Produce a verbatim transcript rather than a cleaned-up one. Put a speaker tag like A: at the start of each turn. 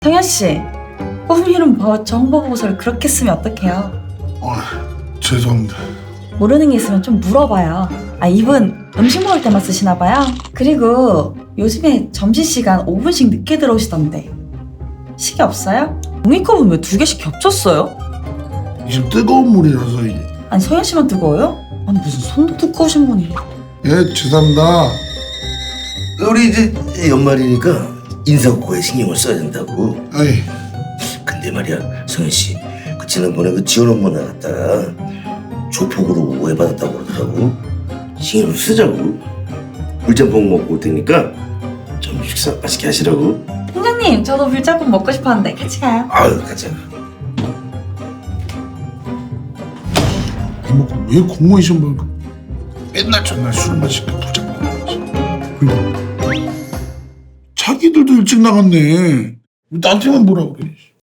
A: 성현씨, 꿈 이름 뭐 정보 보고서를 그렇게 쓰면 어떡해요?
B: 아, 죄송합니다.
A: 모르는 게 있으면 좀 물어봐요. 아, 이분 음식 먹을 때만 쓰시나 봐요. 그리고 요즘에 점심시간 오 분씩 늦게 들어오시던데 시계 없어요? 종이컵은 왜 두 개씩 겹쳤어요?
B: 지금 뜨거운 물이라서 이게.
A: 아니, 성현씨만 뜨거워요? 아니, 무슨 손도 두꺼우신 분이.
B: 예, 죄송합니다.
C: 우리 이제 연말이니까 인사고에 신경을 써야 된다고.
B: 아이,
C: 근데 말이야, 성현 씨, 그 지난번에 그 지원 업무 나갔다가 조폭으로 오해받았다고 그러더라고. 신경 좀 쓰자고. 물짬뽕 먹고 올 테니까 좀 식사 맛있게 하시라고.
A: 팀장님, 저도 물짬뽕 먹고 싶었는데 같이 가요.
C: 아유, 가자.
B: 이모가 왜 공무원 시험 보니까 맨날 전날 술 마시고 도장 나가지. 그리고 자기들도 일찍 나갔네. 왜 나한테만 뭐라 그래.